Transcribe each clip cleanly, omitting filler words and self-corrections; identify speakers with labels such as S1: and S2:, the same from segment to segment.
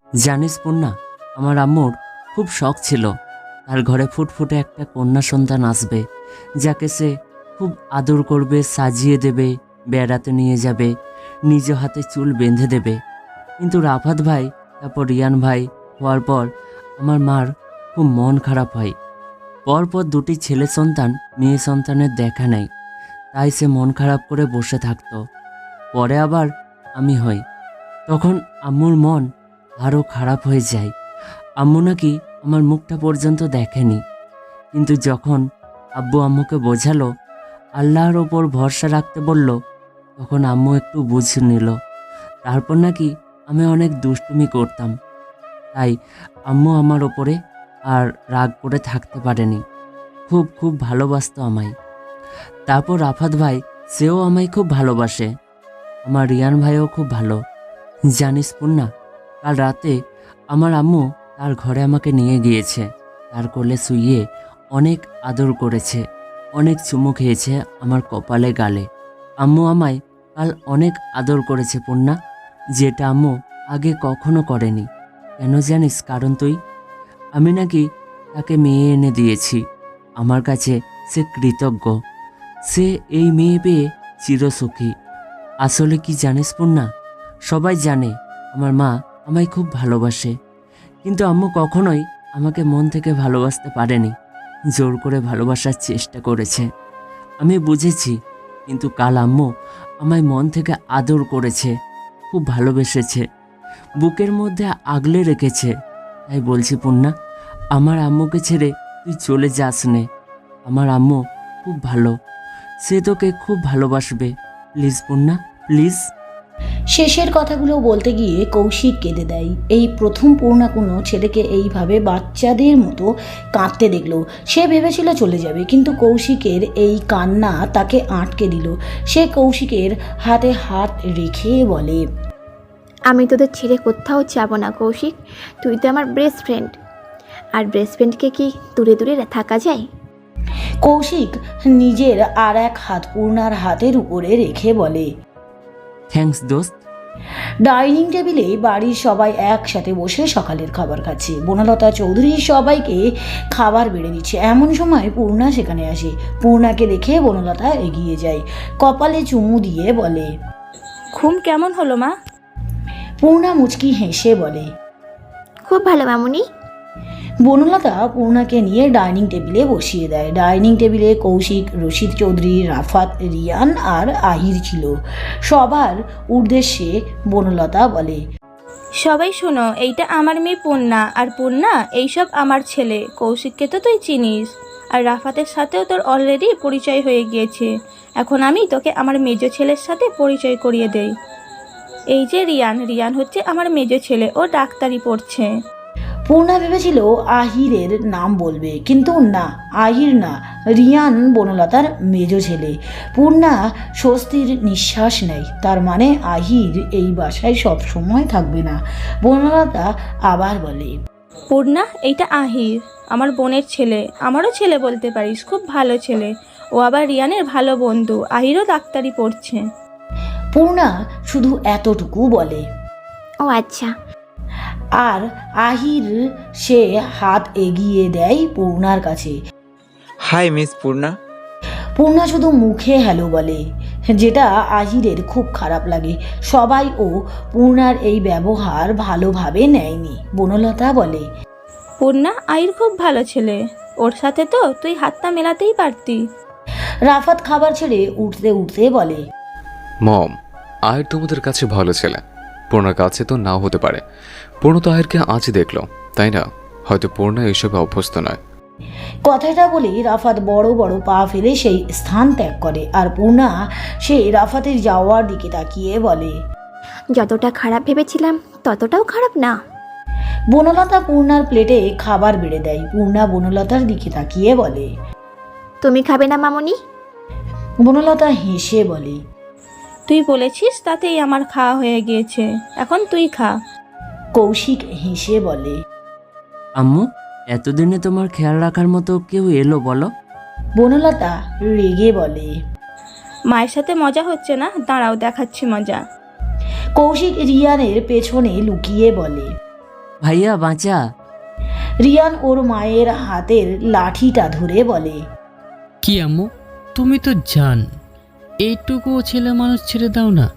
S1: জানিস পূর্ণা, আমার আম্মুর খুব শখ ছিল তার ঘরে ফুটফুটে একটা কন্যা সন্তান আসবে, যাকে সে খুব আদর করবে, সাজিয়ে দেবে, বেড়াতে নিয়ে যাবে, নিজ হাতে চুল বেঁধে দেবে। কিন্তু রাফাত ভাই, তারপর রিয়ান ভাই হওয়ার পর আমার মার খুব মন খারাপ হয়। পরপর দুটি ছেলে সন্তান মেয়ে সন্তানের দেখা নেই, তাই সে মন খারাপ করে বসে থাকতো। পরে আবার আমি হই, তখন আম্মুর মন আরও খারাপ হয়ে যায়। আম্মু নাকি আমার মুখটা পর্যন্ত দেখেনি, কিন্তু যখন আব্বু আম্মুকে বোঝালো, আল্লাহর ওপর ভরসা রাখতে বলল, তখন আম্মু একটু বুঝে নিল। তারপর নাকি আমি অনেক দুষ্টুমি করতাম, তাই আম্মু আমার ওপরে আর রাগ করে থাকতে পারেনি। খুব খুব ভালোবাসতো আমায়। তারপর রাফাত ভাই, সেও আমায় খুব ভালোবাসে। আমার রিয়ান ভাইও খুব ভালো। জানিস পূর্ণা, কাল রাতে আমার আম্মু তার ঘরে আমাকে নিয়ে গিয়েছে, তার কোলে শুইয়ে অনেক আদর করেছে, অনেক চুমু খেয়েছে আমার কপালে গালে। আম্মু আমায় কাল অনেক আদর করেছে পূর্ণা, যেটা আম্মু আগে কখনো করেনি। কেন জানিস? কারণ তুই, আমি নাকি তাকে মেয়ে এনে দিয়েছি। আমার কাছে সে কৃতজ্ঞ, সে এই মেয়ে পেয়ে চিরসুখী। আসলে কি জানিস পূর্ণা, সবাই জানে আমার মা আমায় খুব ভালোবাসে, কিন্তু আম্মু কখনোই আমাকে মন থেকে ভালোবাসতে পারেনি, জোর করে ভালোবাসার চেষ্টা করেছে। আমি বুঝেছি, কিন্তু কাল আম্মু আমায় মন থেকে আদর করেছে, খুব ভালোবেসেছে, বুকের মধ্যে আগলে রেখেছে। তাই বলছি পূর্ণা, আমার আম্মুকে ছেড়ে তুই চলে যাস নে। আমার আম্মু খুব ভালো, সে তোকে খুব ভালোবাসবে। Please Purna, please.
S2: শেষের কথাগুলো বলতে গিয়ে কৌশিক কেঁদে দেয়। এই প্রথম পূর্ণা কোনো ছেলেকে এইভাবে বাচ্চাদের মতো কাঁদতে দেখলো। সে ভেবেছিল চলে যাবে, কিন্তু কৌশিকের এই কান্না তাকে আটকে দিল। সে কৌশিকের হাতে হাত রেখে বলে,
S3: আমি তোদের ছেড়ে কোথাও যাব না কৌশিক, তুই তো আমার বেস্ট ফ্রেন্ড। আর বেস্ট ফ্রেন্ডকে কি দূরে দূরে থাকা যায়?
S2: কৌশিক নিজের আর এক হাত পূর্ণার হাতের উপরে রেখে বলে।
S1: থ্যাঙ্কস দোস্ত।
S2: ডাইনিং টেবিলে বাড়ির সবাই একসাথে বসে সকালের খাবার খাচ্ছে। বনলতা চৌধুরী সবাইকে খাবার বেড়ে দিচ্ছে। এমন সময় পূর্ণা সেখানে আসে। পূর্ণাকে দেখে বনলতা এগিয়ে যায়, কপালে চুমু দিয়ে বলে।
S4: ঘুম কেমন হলো মা?
S2: পূর্ণা মুচকি হেসে বলে।
S3: খুব ভালো মামুনি।
S2: বনলতা পূর্ণাকে নিয়ে ডাইনিং টেবিলে বসিয়ে দেয়। ডাইনিং টেবিলে কৌশিক, রশিদ চৌধুরী, রাফাত, রিয়ান আর আহির ছিল। সবার উদ্দেশ্যে বনলতা বলে,
S4: সবাই শোনো, এইটা আমার মেয়ে পূর্ণা, আর পূর্ণা এইসব আমার ছেলে। কৌশিককে তো তুই চিনিস, আর রাফাতের সাথেও তোর অলরেডি পরিচয় হয়ে গিয়েছে। এখন আমি তোকে আমার মেজ ছেলের সাথে পরিচয় করিয়ে দেই। এই যে রিয়ান, রিয়ান হচ্ছে আমার মেজ ছেলে, ও ডাক্তারি পড়ছে।
S2: পূর্ণা ভেবেছিল আহিরের নাম বলবে, কিন্তু না, আহির না, রিয়ান বনলতার মেজ ছেলে। পূর্ণা স্বস্তির নিঃশ্বাস নেয়। তার মানে আহির এই বাসায় সব সময় থাকবে না। বনলতা আবার বলে,
S4: পূর্ণা, এইটা আহির, আমার বোনের ছেলে, আমারও ছেলে বলতে পারিস, খুব ভালো ছেলে। ও আবার রিয়ানের ভালো বন্ধু। আহিরও ডাক্তারি পড়ছে।
S2: পূর্ণা শুধু এতটুকু বলে।
S3: ও আচ্ছা।
S2: আর আহির সে হাত এগিয়ে দেয় পূর্ণার কাছে।
S5: High miss Purna.
S2: পূর্ণা শুধু মুখে হ্যালো বলে, যেটা আহিরের খুব খারাপ লাগে। সবাই পূর্ণার এই ব্যবহার ভালোভাবে নেয়নি। বনলতা বলে,
S4: পূর্ণা, আহির খুব ভালো ছেলে, ওর সাথে তো তুই হাতটা মেলাতেই পারতি।
S2: রাফাত খাবার ছেড়ে উঠতে উঠতে বলে,
S6: মম, আয়ের তোমাদের কাছে ভালো ছেলে, পূর্ণার কাছে তো নাও হতে পারে। পূর্ণ তো আয়েরকে আজই দেখলো, তাই না? হয়তো পূর্ণা এসবে অভ্যস্ত নয়।
S2: কথাটা বলে রাফাত বড় বড় পা ফেলে সেই স্থান ত্যাগ করে। আর পূর্ণা সে রাফাতের যাওয়ার দিকে তাকিয়ে বলে,
S3: যতটা খারাপ ভেবেছিলাম ততটাও খারাপ না।
S2: বনলতা পূর্ণার প্লেটে খাবার বেড়ে দেয়। পূর্ণা বনলতার দিকে তাকিয়ে বলে,
S3: তুমি খাবে না মামুনি?
S2: বনলতা হেসে বলে,
S4: তুই বলেছিস, তাতেই আমার খাওয়া হয়ে গিয়েছে, এখন তুই খা।
S2: কৌশিক হেসে বলে,
S1: আম্মু, এতদিনে তোমার খেয়াল রাখার মতো কেউ এলো বলো?
S2: বনলতা রেগে বলে।
S4: মায়ের সাথে মজা হচ্ছে না? দাঁড়াও, দেখাচ্ছি মজা।
S2: কৌশিক রিয়ানের পেছনে লুকিয়ে বলে,
S1: ভাইয়া বাঁচা।
S2: রিয়ান ওর মায়ের হাতের লাঠিটা ধরে বলে।
S7: কি আম্মু, তুমি তো জান, এইটুকু ছেলে মানুষ ছেড়ে দাও না।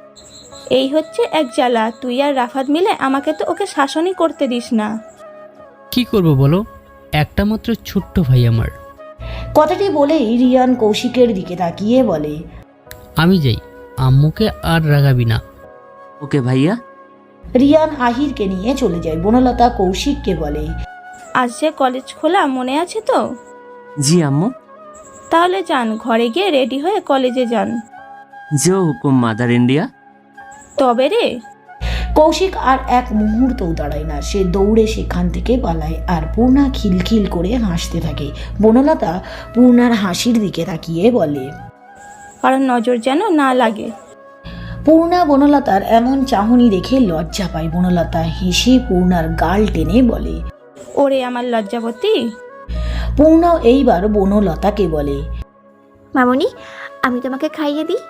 S4: এই হচ্ছে এক জ্বালা, তুই আর রাফাত মিলে আমাকে তো ওকে শাসনই করতে দিস না।
S7: কি করব বলো, একটা মাত্র ছোট্ট ভাই আমার।
S2: কথাটি বলেই রিয়ান কৌশিকের দিকে তাকিয়ে বলে।
S7: আমি যাই, আম্মুকে আর রাগাবি না।
S1: ওকে ভাইয়া।
S2: রিয়ান আহিরকে নিয়ে চলে যায়। বনলতা কৌশিককে বলে।
S4: আজ যে কলেজ খোলা মনে আছে তো?
S1: জি আম্মু।
S4: তাহলে যান, ঘরে গিয়ে রেডি হয়ে কলেজে যান।
S1: জো হুকুম মাদার ইন্ডিয়া।
S4: তবে রে।
S2: কৌশিক আর এক মুহূর্তও দাঁড়ায় না, সে দৌড়ে সেখান থেকে পালায় আর পূর্ণা খিলখিল করে হাসতে থাকে। বনলতা পূর্ণার হাসির দিকে তাকিয়ে বলে।
S4: কারণ নজর যেন না লাগে।
S2: পূর্ণা বনলতার এমন চাহনি দেখে লজ্জা পায়। বনলতা হেসে পূর্ণার গাল টেনে বলে।
S4: ওরে আমার লজ্জাবতী।
S2: পূর্ণাও এইবার বনলতাকে বলে।
S3: মামনি, আমি তোমাকে খাইয়ে দিই।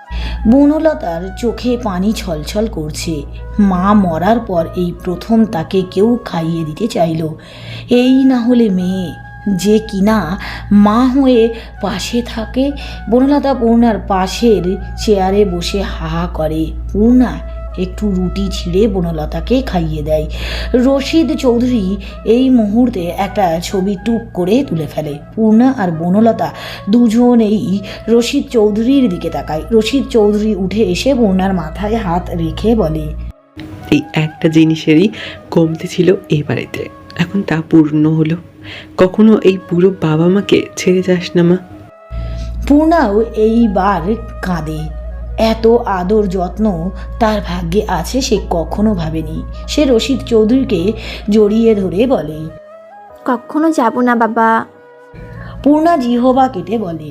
S2: বনলতার চোখে পানি ছলছল করছে। মা মরার পর এই প্রথম তাকে কেউ খাইয়ে দিতে চাইল। এই না হলে মেয়ে যে কিনা মা হয়ে পাশে থাকে। বনলতা পূর্ণার পাশের চেয়ারে বসে হা করে। পূর্ণা একটু রুটি ছিঁড়ে বনলতাকে খাইয়ে দেয়। রশিদ চৌধুরী এই মুহূর্তে একটা ছবি টুক করে তুলে ফেলে। পূর্ণা আর বনলতা দুজনেই রশিদ চৌধুরীর দিকে তাকায়। রশিদ চৌধুরী উঠে এসে পূর্ণার মাথায় হাত রেখে বলে।
S8: এই একটা জিনিসেরই কমতি ছিল এই বাড়িতে, এখন তা পূর্ণ হলো। কখনো এই বুড়ো বাবা মাকে ছেড়ে যাস না মা।
S2: পূর্ণাও এইবার কাঁদে। এত আদর যত্ন তার ভাগ্যে আছে সে কখনো ভাবেনি। সে রশিদ চৌধুরীকে জড়িয়ে ধরে বলে।
S3: কখনো যাব না বাবা।
S2: পূর্ণা জিহবা কেটে বলে।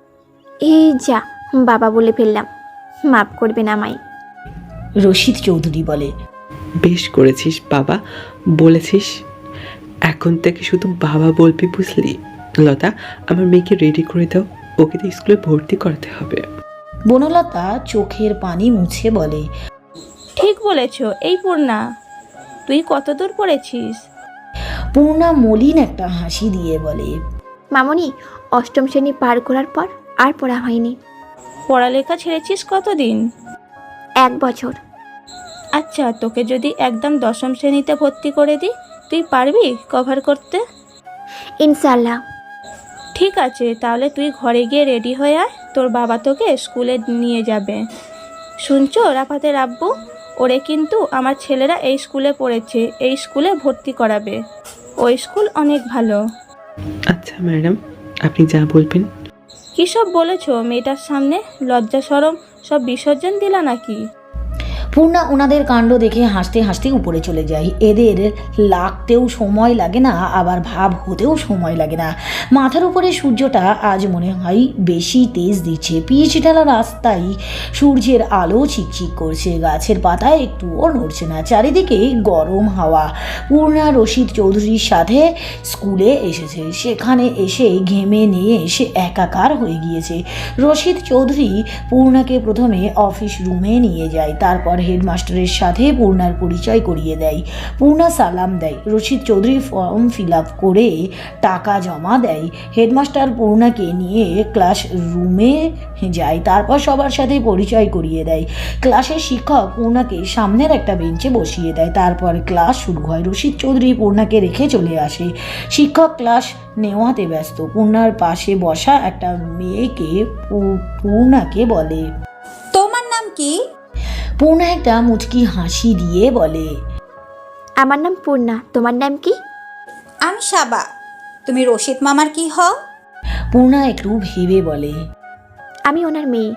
S3: এই যা, বাবা বলে ফেললাম, মাফ করবেন আমায়।
S2: রশিদ চৌধুরী বলে।
S8: বেশ করেছিস বাবা বলেছিস, এখন থেকে শুধু বাবা বলবি, বুঝলি? লতা, আমার মেয়েকে রেডি করে দাও, ওকে তো স্কুলে ভর্তি করাতে হবে।
S2: বনলতা চোখের পানি মুছে বলে।
S4: ঠিক বলেছ। এই পূর্ণা, তুই কত দূর পড়েছিস?
S2: পূর্ণা মলিন একটা হাসি দিয়ে বলে।
S3: মামনি, অষ্টম শ্রেণী পার করার পর আর পড়া হয়নি।
S4: পড়ালেখা ছেড়েছিস কতদিন?
S3: 1 বছর।
S4: আচ্ছা, তোকে যদি একদম দশম শ্রেণীতে ভর্তি করে দিই, তুই পারবি কভার করতে?
S3: ইনশাল্লাহ।
S4: ঠিক আছে, তাহলে তুই ঘরে গিয়ে রেডি হয়ে আয়, তোর বাবা তোকে স্কুলে নিয়ে যাবে। শুনছো রাফাতের আব্বু, ওরে কিন্তু আমার ছেলেরা এই স্কুলে পড়েছে, এই স্কুলে ভর্তি করাবে। ওই স্কুল অনেক ভালো।
S8: আচ্ছা ম্যাডাম, আপনি যা বলবেন।
S4: কী সব বলেছো মেয়েটার সামনে? লজ্জা শরম সব বিসর্জন দিলা নাকি?
S2: পূর্ণা ওনাদের কাণ্ড দেখে হাসতে হাসতে উপরে চলে যায়। এদের লাগতেও সময় লাগে না, আবার ভাব হতেও সময় লাগে না। মাথার উপরে সূর্যটা আজ মনে হয় বেশি তেজ দিচ্ছে। পিচ ঢালা রাস্তায় সূর্যের আলো চিকচিক করছে, গাছের পাতায় একটুও নড়ছে না, চারিদিকে গরম হাওয়া। পূর্ণা রশিদ চৌধুরীর সাথে স্কুলে এসেছে, সেখানে এসে ঘেমে নিয়ে এসে একাকার হয়ে গিয়েছে। রশিদ চৌধুরী পূর্ণাকে প্রথমে অফিস রুমে নিয়ে যায়, তারপর হেডমাস্টারের সাথে পূর্ণার পরিচয় করিয়ে দেয়। পূর্ণা সালাম দেয়। Rashid Chowdhury form fill up করে টাকা জমা দেয়। হেডমাস্টার পূর্ণাকে নিয়ে ক্লাস রুমে যায়, তারপর সবার সাথে পরিচয় করিয়ে দেয়। ক্লাসের শিক্ষক পূর্ণাকে সামনের একটা বেঞ্চে বসিয়ে দেয়, তারপর ক্লাস শুরু হয়। রশিদ চৌধুরী পূর্ণাকে রেখে চলে আসে। শিক্ষক ক্লাস নেওয়াতে ব্যস্ত। পূর্ণার পাশে বসা একটা মেয়েকে পূর্ণাকে বলে।
S9: তোমার নাম কি?
S2: পূর্ণা একটা মুচকি হাসি দিয়ে বলে।
S3: আমার নাম পূর্ণা, তোমার নাম কি?
S9: আমি সাবা। তুমি রশিদ মামার কি হও?
S2: পূর্ণা একটু ভেবে বলে।
S3: আমি ওনার মেয়ে।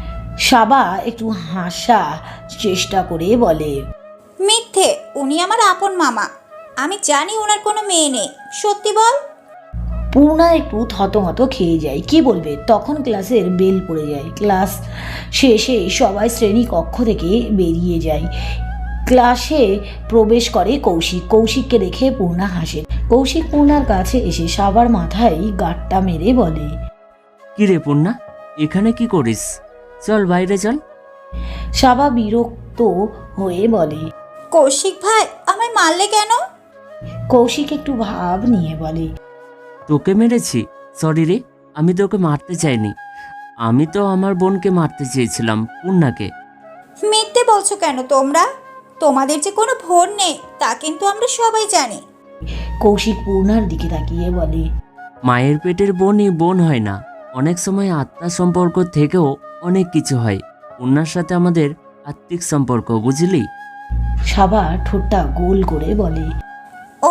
S2: সাবা একটু হাসা চেষ্টা করে বলে।
S9: মিথ্যে, উনি আমার আপন মামা। আমি জানি ওনার কোনো মেয়ে নেই। সত্যি বল।
S2: পূর্ণা একটু থতমত খেয়ে যায়, কি বলবে। তখন ক্লাসের বেল পড়ে যায়। ক্লাস শেষে সবাই শ্রেণী কক্ষ থেকে বেরিয়ে যায়। ক্লাসে প্রবেশ করে কৌশিক। কৌশিককে দেখে পূর্ণা হাসে। কৌশিক পূর্ণার কাছে এসে সাবার মাথায় গাঁটটা মেরে বলে।
S1: কি রে পূর্ণা, এখানে কি করিস? চল বাইরে চল।
S2: সাবা বিরক্ত হয়ে বলে।
S9: কৌশিক ভাই, আমার মারলে কেন?
S2: কৌশিক একটু ভাব নিয়ে বলে,
S1: তোকে মেরেছি? সরি রে, আমি তোকে মারতে চাইনি। আমি তো আমার বোনকে মারতে চেয়েছিলাম, পূর্ণাকে।
S9: মিথ্যে বলছো কেন তোমরা? তোমাদের যে কোনো বোন নেই তা কিন্তু আমরা সবাই জানি।
S2: কৌশিক পূর্ণার দিকে তাকিয়ে বলে,
S1: মায়ের পেটের বোনই বোন হয় না, অনেক সময় আত্মার সম্পর্ক থেকেও অনেক কিছু হয়। পূর্ণার সাথে আমাদের আত্মিক সম্পর্ক, বুঝলি?
S2: সাবা ঠোঁটটা গোল করে বলে,
S9: ও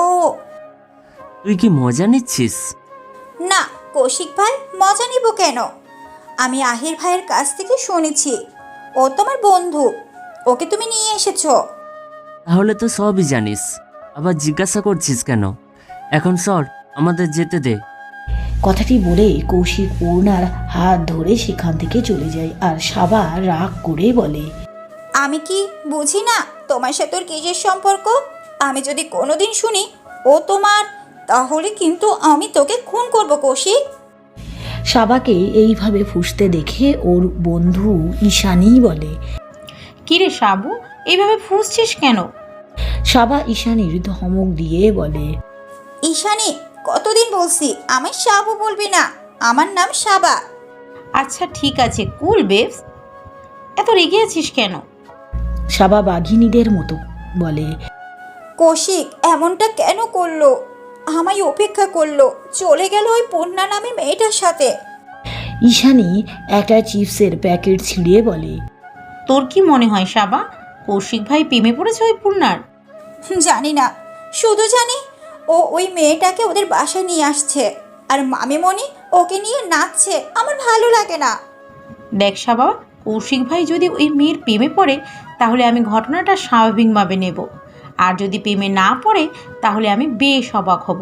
S1: তুই কি মজা নিচ্ছিস?
S9: না কৌশিক ভাই, মজা নিব কেন? আমি আহির ভাইয়ের কাছ থেকে শুনেছি ও তোমার বন্ধু, ওকে তুমি নিয়ে এসেছো।
S1: তাহলে তো সবই জানিস, আবার জিজ্ঞাসা করছিস কেন? এখন সর, আমাদের যেতে দে।
S2: কথাটি বলে কৌশিক পূর্ণার হাত ধরে সেখান থেকে চলে যায়। আর সাবা রাগ করে বলে,
S9: আমি কি বুঝি না তোমার সাথে ওর কিসের সম্পর্ক? আমি যদি কোনোদিন শুনি ও তোমার, তাহলে কিন্তু আমি তোকে খুন করব কৌশিক।
S2: সাবাকে এইভাবে ফুঁসতে দেখে ওর বন্ধু ঈশানী বলে,
S10: কিরে সাবু, এইভাবে ফুঁসছিস কেন?
S2: সাবা ঈশানীর ধমক দিয়ে বলে,
S9: ঈশানী, কতদিন বলছি আমায় সাবু বলবি না, আমার নাম সাবা।
S10: আচ্ছা ঠিক আছে, কুল বেবস, এত রেগে আছিস কেন?
S2: সাবা বাঘিনীদের মতো বলে,
S9: কৌশিক এমনটা কেন করলো? আমায় উপেক্ষা করলো, চলে গেল ওই পূর্ণা নামে মেয়েটার সাথে।
S2: ঈশানী একটা চিপসের প্যাকেট ছিঁড়িয়ে বলে,
S10: তোর কি মনে হয় সাবা, কৌশিক ভাই প্রেমে পড়েছে ওই পূর্ণার?
S9: জানি না, শুধু জানি ও ওই মেয়েটাকে ওদের বাসায় নিয়ে আসছে আর মামিমণি ওকে নিয়ে নাচছে। আমার ভালো লাগে না।
S10: দেখ সাবা, কৌশিক ভাই যদি ওই মেয়ের প্রেমে পড়ে তাহলে আমি ঘটনাটা স্বাভাবিকভাবে নেব, আর যদি প্রেমে না পড়ে তাহলে আমি বেশ অবাক হব।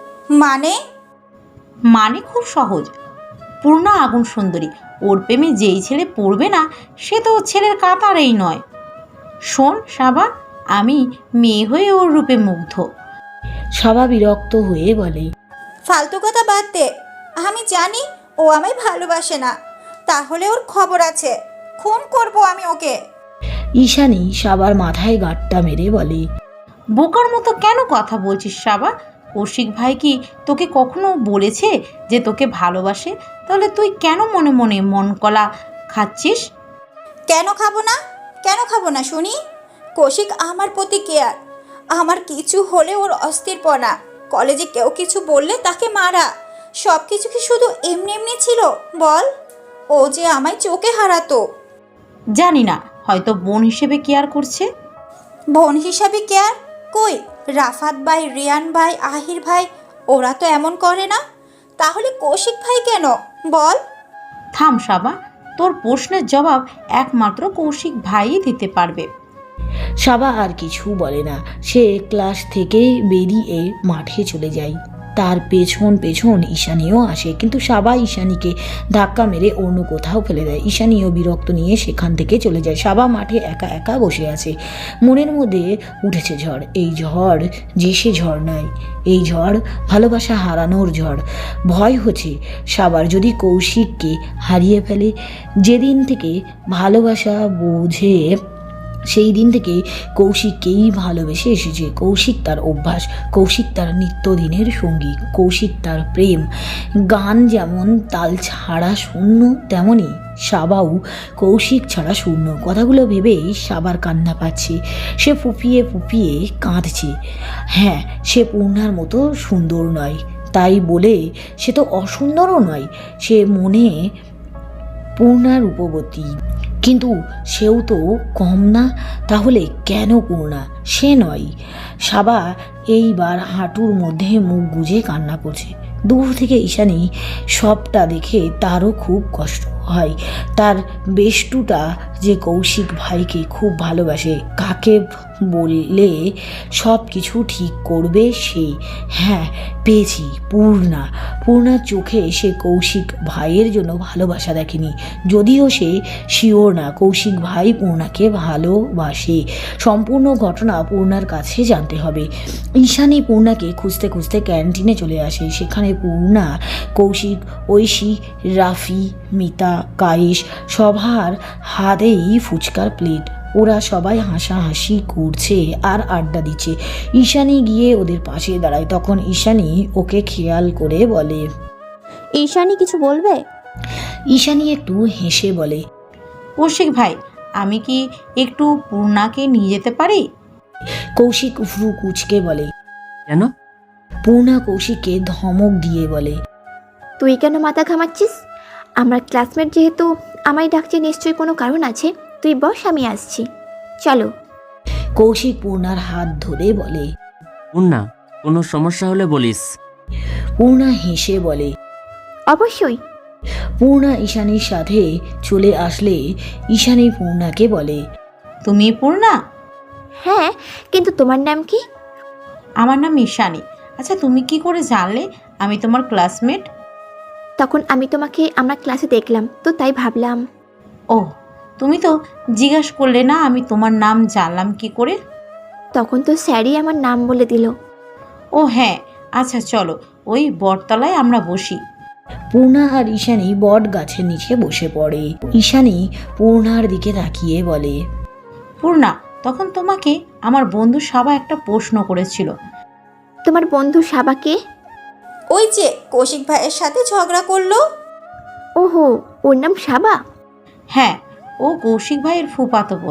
S10: মানে খুব সহজ, পূর্ণা আগুন সুন্দরী, ওর প্রেমে যেই ছেলে পড়বে না সে তো ওর ছেলের কাতারেই নয়। শোন সাবা, আমি মেয়ে হয়ে ওর রূপে মুগ্ধ।
S2: সাবা বিরক্ত হয়ে বলে,
S9: ফালতু কথা বাদ দে। আমি জানি ও আমায় ভালোবাসে না, তাহলে ওর খবর আছে, খুন করব আমি ওকে।
S2: ঈশানী সাবার মাথায় গাঁটটা মেরে বলে,
S10: বোকার মতো কেন কথা বলছিস সাবা? কৌশিক ভাই কি তোকে কখনো বলেছে যে তোকে ভালোবাসে? তাহলে তুই কেন মনে মনে মন কলা খাচ্ছিস?
S9: কেন খাবো না শুনি? কৌশিক আমার প্রতি কেয়ার। আমার কিছু হলে ওর অস্থিরপনা, কলেজে কেউ কিছু বললে তাকে মারা, সব কিছু কি শুধু এমনি এমনি ছিল বল? ও যে আমায় চোখে হারাতো।
S10: জানি না, হয়তো বোন হিসেবে কেয়ার করছে।
S9: বোন হিসাবে কেয়ার? কই, রাফাত ভাই, রিয়ান ভাই, আহির ভাই, ওরা তো এমন করে না। তাহলে কৌশিক ভাই কেন বল?
S10: থাম সাবা, তোর প্রশ্নের জবাব একমাত্র কৌশিক ভাইই দিতে পারবে।
S2: সাবা আর কিছু বলে না। সে ক্লাস থেকে বেরিয়ে মাঠে চলে যায়। তার পেছন পেছন ঈশানীও আসে, কিন্তু সাবা ঈশানীকে ধাক্কা মেরে অন্য কোথাও ফেলে দেয়। ঈশানীও বিরক্ত নিয়ে সেখান থেকে চলে যায়। সাবা মাঠে একা একা বসে আছে। মনের মধ্যে উঠেছে ঝড়। এই ঝড় যে সে ঝড় নয়, এই ঝড় ভালোবাসা হারানোর ঝড়। ভয় হচ্ছে সাবার যদি কৌশিককে হারিয়ে ফেলে। যেদিন থেকে ভালোবাসা বোঝে সেই দিন থেকে কৌশিককেই ভালোবেসে এসেছে। কৌশিক তার অভ্যাস, কৌশিক তার নিত্যদিনের সঙ্গী, কৌশিক তার প্রেম। গান যেমন তাল ছাড়া শূন্য, তেমনই সাবাও কৌশিক ছাড়া শূন্য। কথাগুলো ভেবেই সাবার কান্না পাচ্ছে। সে ফুপিয়ে ফুপিয়ে কাঁদছে। হ্যাঁ, সে পূর্ণার মতো সুন্দর নয়, তাই বলে সে তো অসুন্দরও নয়। সে মনে পূর্ণার রূপবতী, কিন্তু সেও তো কম না। তাহলে কেন পূর্ণা, সে নয়? সাবা এইবার হাঁটুর মধ্যে মুখ গুজে কান্না করছে। দূর থেকে ঈশানী সবটা দেখে তারও খুব কষ্ট হয়। তার বেষ্টুটা যে কৌশিক ভাইকে খুব ভালোবাসে, কাকে বললে সব কিছু ঠিক করবে সে। হ্যাঁ, পেয়েছি, পূর্ণার চোখে সে কৌশিক ভাইয়ের জন্য ভালোবাসা দেখেনি। যদিও সে শিওর না কৌশিক ভাই পূর্ণাকে ভালোবাসে। সম্পূর্ণ ঘটনা পূর্ণার কাছে জানতে হবে। ঈশানী পূর্ণাকে খুঁজতে খুঁজতে ক্যান্টিনে চলে আসে। সেখানে পূর্ণা, কৌশিক, ঐশী, রাফি, মিতা, কায়েশ সবার হাতেই ফুচকার প্লেট। ওরা সবাই হাসাহাসি করছে আর আড্ডা দিচ্ছে। ঈশানী গিয়ে ওদের পাশে দাঁড়ায়। তখন ঈশানী ওকে খেয়াল করে বলে,
S4: ঈশানী কিছু বলবে?
S2: ঈশানী একটু হেসে বলে,
S10: কৌশিক ভাই, আমি কি একটু পূর্ণাকে নিয়ে যেতে পারি?
S2: কৌশিক ভ্রু কুচকে বলে।
S1: কেন?
S2: পূর্ণা কৌশিককে ধমক দিয়ে বলে,
S3: তুই কেন মাথা ঘামাচ্ছিস? আমার ক্লাসমেট যেহেতু আমায় ডাকছে, নিশ্চয়ই কোনো কারণ আছে। তুই বস, আমি আসছি, চলো।
S2: কৌশিক পূর্ণার হাত ধরে বলে।
S1: পূর্ণা, কোনো সমস্যা হলে বলিস।
S2: পূর্ণা হেসে বলে।
S3: অবশ্যই।
S2: পূর্ণা ঈশানীর সাথে চলে আসলে ঈশানী পূর্ণাকে বলে,
S10: তুমি পূর্ণা?
S3: হ্যাঁ, কিন্তু তোমার নাম কি?
S10: আমার নাম ঈশানী। আচ্ছা, তুমি কি করে জানলে আমি তোমার ক্লাসমেট?
S3: তখন আমি তোমাকে আমার ক্লাসে দেখলাম, তো তাই ভাবলাম।
S10: ও, তুমি তো জিজ্ঞাসা করলে না আমি তোমার নাম জানলাম কি করে?
S3: তখন তো স্যারই আমার নাম বলে দিল।
S10: ও হ্যাঁ, আচ্ছা চলো, ওই বটতলায় আমরা বসি।
S2: পূর্ণা আর ঈশানী বট গাছের নিচে বসে পড়ে। ঈশানী পূর্ণার দিকে তাকিয়ে বলে,
S10: পূর্ণা, তখন তোমাকে আমার বন্ধু সাবা একটা প্রশ্ন করেছিল।
S3: তোমার বন্ধু সাবাকে?
S9: ওই যে কৌশিক ভাইয়ের সাথে ঝগড়া করলো।
S3: ওহো, ওর নাম সাবা?
S10: হ্যাঁ, ও কৌশিক ভাইয়ের ফুফাতো বোন।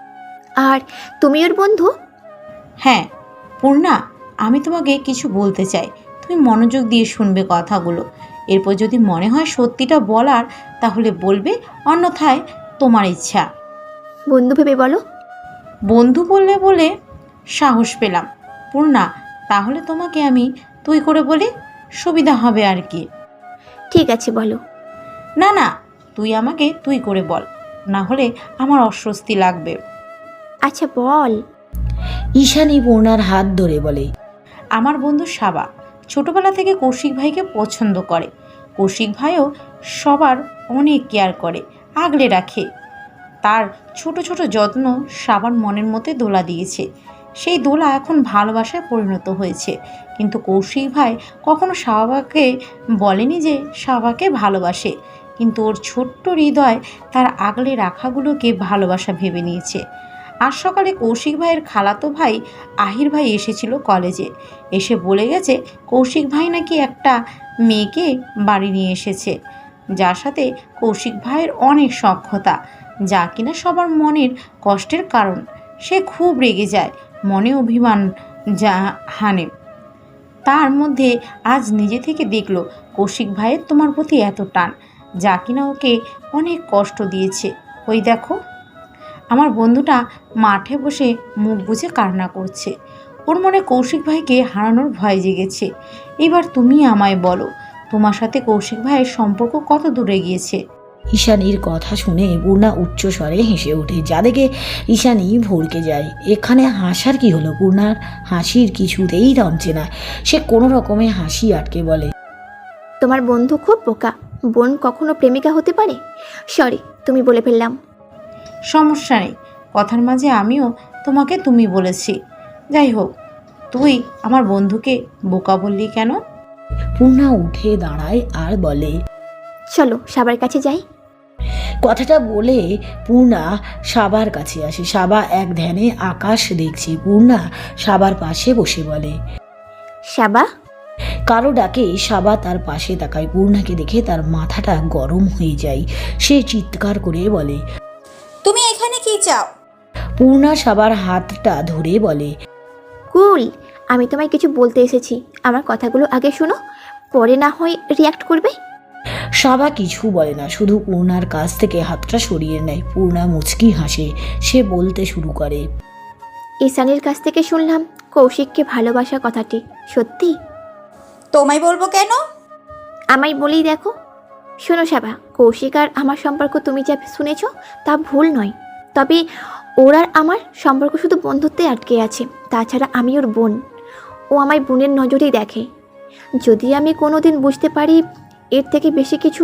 S3: আর তুমি ওর বন্ধু?
S10: হ্যাঁ পূর্ণা, আমি তোমাকে কিছু বলতে চাই, তুমি মনোযোগ দিয়ে শুনবে কথাগুলো। এরপর যদি মনে হয় সত্যিটা বলার তাহলে বলবে, অন্যথায় তোমার ইচ্ছা।
S3: বন্ধু ভেবে বলো।
S10: বন্ধু বললে বলে সাহস পেলাম। পূর্ণা, তাহলে তোমাকে আমি তুই করে বলি, সুবিধা হবে আর কি।
S3: ঠিক আছে, বলো।
S10: না না, তুই আমাকে তুই করে বল, না হলে আমার অস্বস্তি লাগবে।
S3: আচ্ছা বল।
S2: ঈশানী পূর্ণার হাত ধরে বলে,
S10: আমার বন্ধু সাবা ছোটবেলা থেকে কৌশিক ভাইকে পছন্দ করে। কৌশিক ভাইও সবার অনেক কেয়ার করে, আগলে রাখে। তার ছোট ছোট যত্ন সাবার মনের মধ্যে দোলা দিয়েছে। সেই দোলা এখন ভালোবাসায় পরিণত হয়েছে। কিন্তু কৌশিক ভাই কখনো সাবাকে বলেনি যে সাবাকে ভালোবাসে, কিন্তু ওর ছোট্ট হৃদয় তার আগলে রাখাগুলোকে ভালোবাসা ভেবে নিয়েছে। আজ সকালে কৌশিক ভাইয়ের খালাতো ভাই আহির ভাই এসেছিল কলেজে। এসে বলে গেছে কৌশিক ভাই নাকি একটা মেয়েকে বাড়ি নিয়ে এসেছে, যার সাথে কৌশিক ভাইয়ের অনেক সখ্যতা, যা কিনা সবার মনের কষ্টের কারণ। সে খুব রেগে যায়, মনে অভিমান যা হানে। তার মধ্যে আজ নিজে থেকে দেখলো কৌশিক ভাইয়ের তোমার প্রতি এত টান, যা কিনা ওকে অনেক কষ্ট দিয়েছে। ওই দেখো, আমার বন্ধুটা মাঠে বসে মুখ বুজে কান্না করছে। ওর মনে কৌশিক ভাইকে হারানোর ভয় জেগেছে। এবার তুমি আমায় বলো, তোমার সাথে কৌশিক ভাইয়ের সম্পর্ক কত দূরে গিয়েছে?
S2: ঈশানীর কথা শুনে পূর্ণা উচ্চস্বরে হেসে ওঠে, যা দেখে ঈশানী ভড়কে যায়। এখানে হাসার কি হলো? পূর্ণার হাসির কিছুতেই থামছে না। সে কোনো রকমে হাসি আটকে বলে,
S3: তোমার বন্ধু খুব বোকা। বোন কখনো প্রেমিকা হতে পারে? সরি, তুমি বলে ফেললাম।
S10: সমস্যা নেই, কথার মাঝে আমিও তোমাকে তুমি বলেছি। যাই হোক, তুই আমার বন্ধুকে বোকা বললি কেন?
S2: পূর্ণা উঠে দাঁড়ায় আর বলে,
S3: চলো সাবার কাছে যাই।
S2: কথাটা বলে পূর্ণা সাবার কাছে আসে। সাবা এক ধ্যানে আকাশ দেখছে। পূর্ণা সাবার পাশে বসে বলে,
S3: সাবা।
S2: কারো ডাকে সাবা তার পাশে তাকায়। পূর্ণাকে দেখে তার মাথাটা গরম হয়ে যায়। সে চিৎকার করে বলে,
S9: তুমি এখানে কি চাও?
S2: পূর্ণা সাবার হাতটা ধরে বলে,
S3: কুল, আমি তোমায় কিছু বলতে এসেছি। আমার কথাগুলো আগে শোনো, পরে না হয় রিয়াক্ট করবে।
S2: সাবা কিছু বলে না, শুধু পূর্ণার কাছ থেকে হাতটা সরিয়ে নেয়। পূর্ণা মুচকি হাসে। সে বলতে শুরু করে,
S3: ঈশানীর কাছ থেকে শুনলাম কৌশিককে ভালোবাসা কথাটি সত্যি।
S9: তোমায় বলবো কেন?
S3: আমায় বলেই দেখো। শোনো সাবা, কৌশিক আর আমার সম্পর্ক তুমি যা শুনেছ তা ভুল নয়। তবে ওর আর আমার সম্পর্ক শুধু বন্ধুত্বে আটকে আছে। তাছাড়া আমি ওর বোন, ও আমায় বোনের নজরেই দেখে। যদি আমি কোনো দিন বুঝতে পারি এর থেকে বেশি কিছু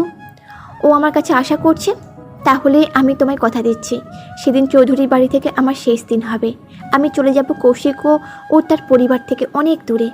S3: ও আমার কাছে আশা করছে, তাহলে আমি তোমায় কথা দিচ্ছি, সেদিন চৌধুরীর বাড়ি থেকে আমার শেষ দিন হবে। আমি চলে যাব কৌশিক ও তার পরিবার থেকে অনেক দূরে।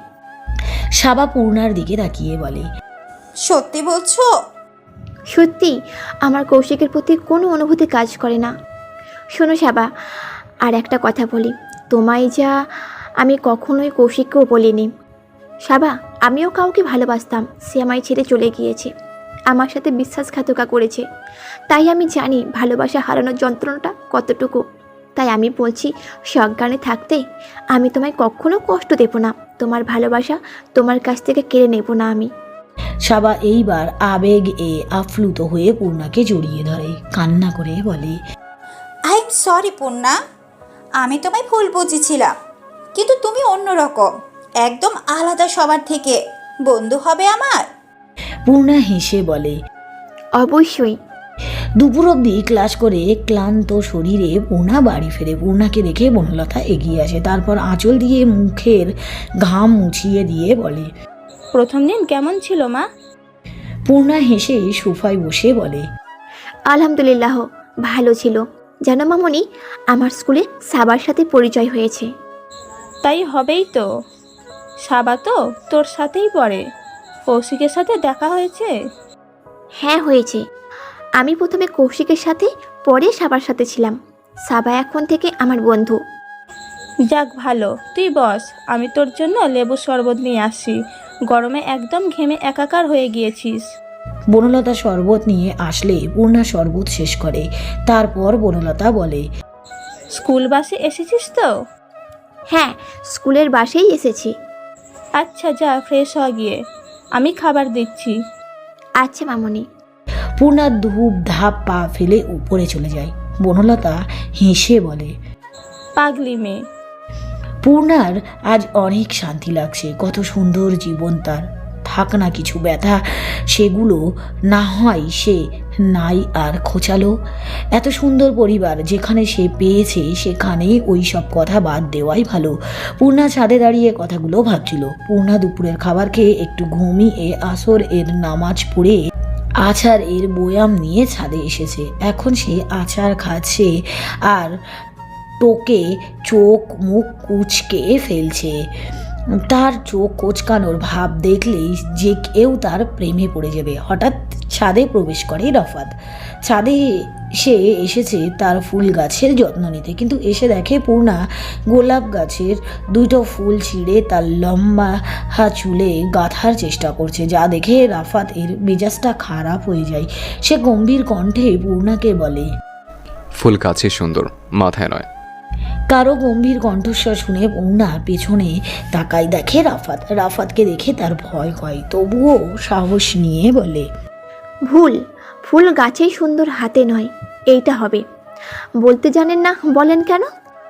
S2: সাবা পূর্ণার দিকে তাকিয়ে বলে,
S9: সত্যি বলছো?
S3: সত্যি, আমার কৌশিকের প্রতি কোনো অনুভূতি কাজ করে না। শোনো সাবা, আর একটা কথা বলি, তোমায় যা আমি কখনোই কৌশিককেও বলিনি। সাবা, আমিও কাউকে ভালোবাসতাম, সে আমায় ছেড়ে চলে গিয়েছে, আমার সাথে বিশ্বাসঘাতকা করেছে। তাই আমি জানি ভালোবাসা হারানোর যন্ত্রণাটা কতটুকু। তাই আমি বলছি, সজ্ঞানে থাকতে আমি তোমায় কখনো কষ্ট দেব না, তোমার ভালোবাসা তোমার কাছ থেকে কেড়ে নেব না আমি।
S2: সাবা এইবার আবেগ আপ্লুত হয়ে পূর্ণাকে জড়িয়ে ধরে, কান্না করে বলে,
S9: আই এম সরি পূর্ণা, আমি তোমায় ভুল বুঝেছিলাম, কিন্তু তুমি অন্যরকম, একদম আলাদা সবার থেকে। বন্ধু হবে আমার?
S2: পূর্ণা হেসে বলে,
S3: অবশ্যই।
S2: দুপুর অবধি ক্লাস করে ক্লান্ত শরীরে পূর্ণা বাড়ি ফেরে। পূর্ণাকে দেখে বনলতা এগিয়ে আসে, তারপর আঁচল দিয়ে মুখের ঘাম মুছিয়ে দিয়ে বলে,
S4: প্রথম দিন কেমন ছিল মা?
S2: পূর্ণা হেসে সোফায় বসে বলে,
S3: আলহামদুলিল্লাহ, ভালো ছিল। জানো মামনি, আমার স্কুলে সাবার সাথে পরিচয় হয়েছে।
S4: তাই হবেই তো, সাবা তো তোর সাথেই পড়ে। কৌশিকের সাথে দেখা হয়েছে?
S3: হ্যাঁ হয়েছে। আমি প্রথমে কৌশিকের সাথে, পরে সাবার সাথে ছিলাম। সাবা এখন থেকে আমার বন্ধু।
S4: যাক ভালো, তুই বস, আমি তোর জন্য লেবু শরবত নিয়ে আসি। গরমে একদম ঘেমে একাকার হয়ে গিয়েছিস।
S2: বনলতা শরবত নিয়ে আসলে পূর্ণা শরবত শেষ করে। তারপর বনলতা বলে,
S4: স্কুল বাসে এসেছিস তো?
S3: হ্যাঁ, স্কুলের বাসেই এসেছি।
S4: আচ্ছা যা, ফ্রেশ হওয়া গিয়ে, আমি খাবার দিচ্ছি।
S3: আচ্ছা মামনি।
S2: পূর্ণা ধূপ ধাপ পা ফেলে উপরে চলে যায়। বনলতা হেসে বলে,
S4: পাগলি মেয়ে।
S2: পূর্ণার আজ অনেক শান্তি লাগছে, কত সুন্দর জীবন তার। থাক না কিছু ব্যথা, সেগুলো না হয় সে নাই আর খোঁচালো। এত সুন্দর পরিবার যেখানে সে পেয়েছে, সেখানে ওই সব কথা বাদ দেওয়াই ভালো। পূর্ণা ছাদে দাঁড়িয়ে কথাগুলো ভাবছিল। পূর্ণা দুপুরের খাবার খেয়ে একটু ঘুমিয়ে আসর এর নামাজ পড়ে আচার এর বয়াম নিয়ে ছাদে এসেছে। এখন সে আচার খাচ্ছে আর টোকে চোখ মুখ কুচকে ফেলছে। তার চোখ কোচকানোর ভাব দেখলেই যে কেউ তার প্রেমে পড়ে যাবে। হঠাৎ ছাদে প্রবেশ করে রাফাত। ছাদে সে এসেছে তার ফুল গাছের যত্ন নিতে, কিন্তু এসে দেখে পূর্ণা গোলাপ গাছের দুটো ফুল ছিঁড়ে তার লম্বা চুলে গাঁথার চেষ্টা করছে, যা দেখে রাফাত এর মেজাজটা খারাপ হয়ে যায়। সে গম্ভীর কণ্ঠে পূর্ণাকে বলে,
S6: ফুল কাছে সুন্দর, মাথায় নয়।
S2: কারো গম্ভীর কণ্ঠস্বর শুনে পূর্ণা পেছনে তাকায়, দেখে রাফাতকে দেখে তার ভয় হয়, তবুও সাহস নিয়ে বলে,
S3: ফুল গাছেই সুন্দর, হাতে নয়। এইটা হবে। বলতে জানেন না, বলেন কেন?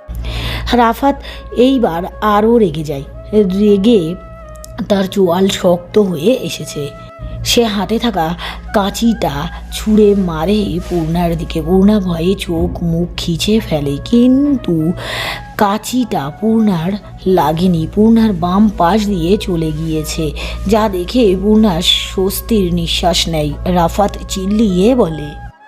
S2: রাফাত এইবার আরও রেগে যায়। রেগে তার চোয়াল শক্ত হয়ে এসেছে। সে হাতে থাকা কাঁচিটা ছুঁড়ে মারে পূর্ণার দিকে। পূর্ণা ভয়ে চোখ মুখ খিচে ফেলে, কিন্তু কাঁচিটা পূর্ণার লাগেনি। পূর্ণার বাম পাশ দিয়ে চলে গিয়েছে, যা দেখে পূর্ণা স্বস্তির নিঃশ্বাস নেয়। রাফাত চিল্লিয়ে বলে,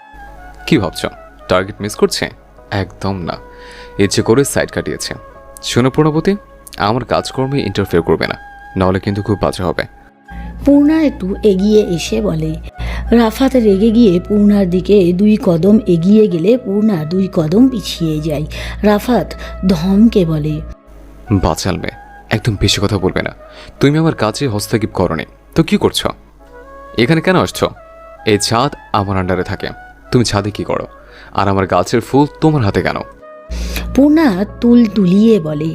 S6: কি ভাবছ টার্গেট মিস করছে? একদম না, ইচ্ছে করে সাইড কাটিয়েছে। শোনো প্রণবতী, আমার কাজকর্মে ইন্টারফেয়ার করবে না, নাহলে কিন্তু খুব বাজে হবে।
S2: পূর্ণা একটু এগিয়ে এসে বলে। রাফাত রেগে গিয়ে পূর্ণার দিকে 2 কদম এগিয়ে গেলে পূর্ণা 2 কদম পিছিয়ে যায়। রাফাত ধমকে বলে,
S6: বাচাল মেয়ে, একদম বেশি কথা বলবে না। তুমি আমার কাজে হস্তক্ষেপ করনি তো কি করছো? এখানে কেন আসছো? এই ছাদ আমার আন্ডারে থাকে, তুমি ছাদে কি করো? আর আমার গাছের ফুল তোমার হাতে কেন?
S2: পূর্ণা তুলিয়ে বলে,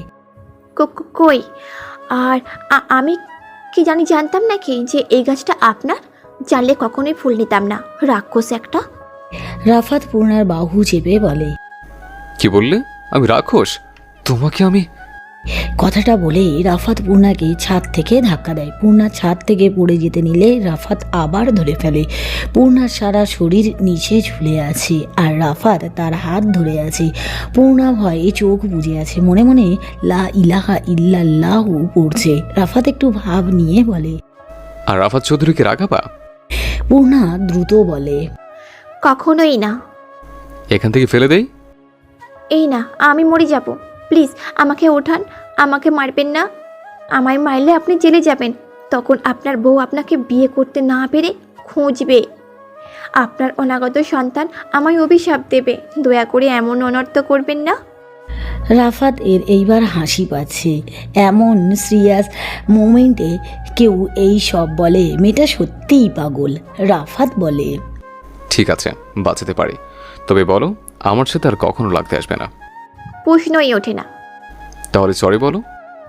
S3: কই? আর আমি কি জানতাম নাকি যে এই গাছটা আপনার? জানলে কখনোই ফুল নিতাম না, রাক্ষস একটা।
S2: রাফাত পূর্ণার বাহু চেপে বলে,
S6: কি বললে? আমি রাক্ষস? তোমাকে আমি...
S2: কথাটা বলে রাফাত পূর্ণাকে ছাদ থেকে ধাক্কা দেয়। পূর্ণা ছাদ থেকে পড়ে যেতে নিলে রাফাত আবার ধরে ফেলে। পূর্ণার সারা শরীর নিচে ঝুলে আছে আর রাফাত তার হাত ধরে আছে। পূর্ণা ভয়ে চোখ বুজে আছে, মনে মনে লা ইলাহা ইল্লাল্লাহু পড়ছে। রাফাত একটু ভাব নিয়ে বলে,
S6: আর রাফাত চৌধুরীকে রাগাবা?
S2: পূর্ণা দ্রুত বলে,
S3: কখনোই না।
S6: এখান থেকে ফেলে দেই?
S3: এই না, আমি মরে যাব। প্লিজ আমাকে ওঠান, আমাকে মারবেন না। আমায় মারলে আপনি জেলে যাবেন, তখন আপনার বউ আপনাকে বিয়ে করতে না পেরে খুঁজবে। আপনার অনাগত সন্তান আমায় অভিশাপ দেবে, দয়া করে এমন অনর্থ করবেন না।
S2: রাফাত এর এইবার হাসি পাচ্ছে। এমন সিরিয়াস মোমেন্টে কেউ এই সব বলে, মেয়েটা সত্যিই পাগল। রাফাত বলে,
S6: ঠিক আছে, বাঁচাতে পারি, তবে বলো আমার সাথে আর কখনো লাগতে আসবে না।
S3: প্রশ্নই ওঠে না।
S6: তাহলে সরি বলো।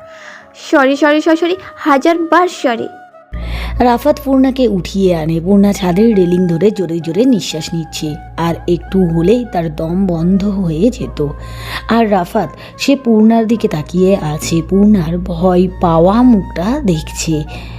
S3: সরি সরি সরি, 1000বার সরি।
S2: রাফাত পূর্ণাকে উঠিয়ে আনে। পূর্ণা ছাদের রেলিং ধরে জোরে জোরে নিঃশ্বাস নিচ্ছে, আর একটু হলেই তার দম বন্ধ হয়ে যেত। আর রাফাত সে পূর্ণার দিকে তাকিয়ে আছে, পূর্ণার ভয় পাওয়া মুখটা দেখছে।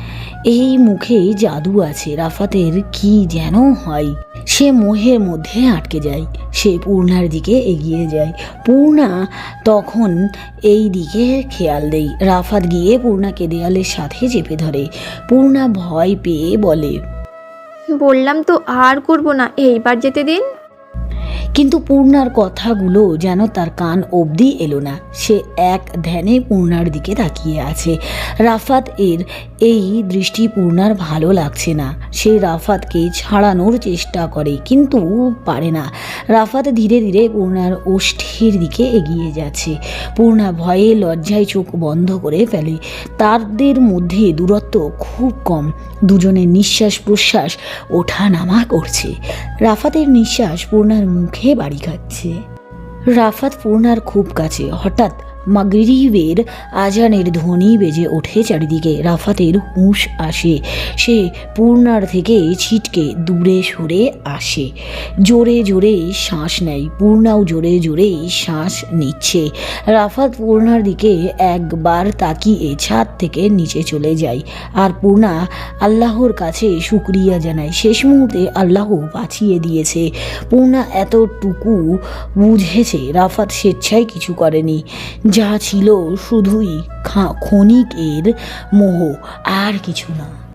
S2: এই মুখে জাদু আছে। রাফাতের কি যেন হয়, সে মোহের মধ্যে আটকে যায়। সে পূর্ণার দিকে এগিয়ে যায়। পূর্ণা তখন এই দিকে খেয়াল দেয়। রাফাত গিয়ে পূর্ণাকে দেয়ালের সাথে চেপে ধরে। পূর্ণা ভয় পেয়ে বলে,
S3: বললাম তো আর করব না, এইবার যেতে দিন।
S2: কিন্তু পূর্ণার কথাগুলো যেন তার কান অবধি এলো না। সে এক ধ্যানে পূর্ণার দিকে তাকিয়ে আছে। রাফাত এর এই দৃষ্টি পূর্ণার ভালো লাগছে না। সে রাফাতকে ছাড়ানোর চেষ্টা করে কিন্তু পারে না। রাফাত ধীরে ধীরে পূর্ণার ওষ্ঠের দিকে এগিয়ে যাচ্ছে। পূর্ণা ভয়ে লজ্জায় চোখ বন্ধ করে ফেলে। তাদের মধ্যে দূরত্ব খুব কম, দুজনের নিঃশ্বাস প্রশ্বাস ওঠা নামা করছে। রাফাতের নিঃশ্বাস পূর্ণার মুখে বাড়ি খাচ্ছে। রাফাত পূর্ণার খুব কাছে। হঠাৎ মাগরিবের আজানের ধ্বনি বেজে ওঠে চারিদিকে। রাফাতের হুঁশ আসে। সে পূর্ণার থেকে ছিটকে দূরে সরে আসে। জোরে জোরে শ্বাস নেয়। পূর্ণাও জোরে জোরে শ্বাস নিচ্ছে। রাফাত পূর্ণার দিকে একবার তাকিয়ে ছাদ থেকে নিচে চলে যায়। আর পূর্ণা আল্লাহর কাছে শুকরিয়া জানায়। শেষ মুহূর্তে আল্লাহ বাঁচিয়ে দিয়েছে। পূর্ণা এতটুকু বুঝেছে রাফাত স্বেচ্ছায় কিছু করেনি, যা ছিল শুধুই ক্ষণিকের মোহ, আর কিছু না।